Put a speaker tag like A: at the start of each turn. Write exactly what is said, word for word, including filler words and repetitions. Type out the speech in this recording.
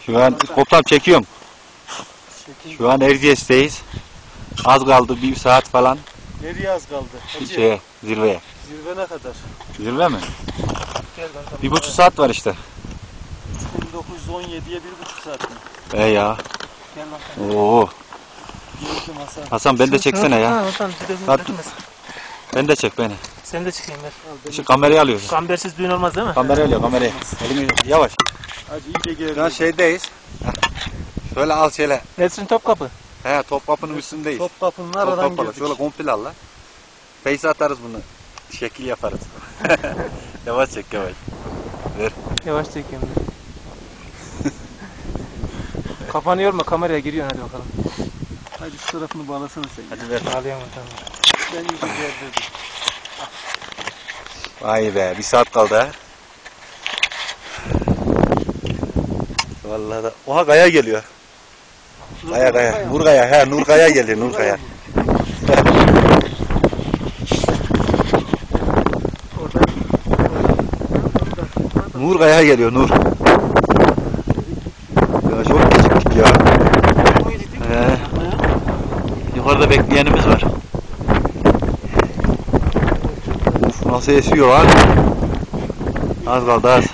A: Şu an koptam çekiyorum. Şu an Erciyes'teyiz. Az kaldı bir saat falan.
B: Nereye az kaldı? Hacı.
A: Şeye, zirveye.
B: Zirve ne kadar?
A: Zirve mi?
B: Gel bakalım.
A: Bir buçuk saat var işte.
B: bin dokuz yüz on yediye bir buçuk saat mi?
A: E ya.
B: Gel bakalım.
A: Oo.
B: Geldim Hasan.
A: Hasan ben de çeksene ya.
B: Ha, Hasan bir de
A: Hadi. Ben de çek beni.
B: Sen de çıkayım ver.
A: Şu kamerayı alıyoruz.
B: Kambersiz düğün olmaz değil mi?
A: Kamerayı alıyor kamerayı. Elini yavaş.
B: Hacı iyice geldi.
A: Şu an şeydeyiz. Heh. Şöyle al şöyle.
B: Nesrin Topkapı.
A: He Topkapı'nın üstündeyiz.
B: Topkapı'nın aradan
A: Topkapı'la.
B: girdik.
A: Şöyle komple al la. Face atarız bunu. Şekil yaparız. Yavaş çek yavaş. Ver.
B: Yavaş çekeyim. Kafanı yorma, kameraya giriyorsun, hadi bakalım. Hadi şu tarafını bağlasana sen.
A: Hadi ver.
B: Bağlayamam, tamam. Ben iyice gerdirdim.
A: Vay be bir saat kaldı ha. Vallahi da. Oha Kaya geliyor. Kaya Kaya. Nur Kaya. He Nur Kaya geliyor Nur Kaya. Nur Kaya geliyor Nur. Ya çok geciktik ya. He. Yukarıda bekleyenimiz var. Uf nasıl esiyor lan. Az kaldı az.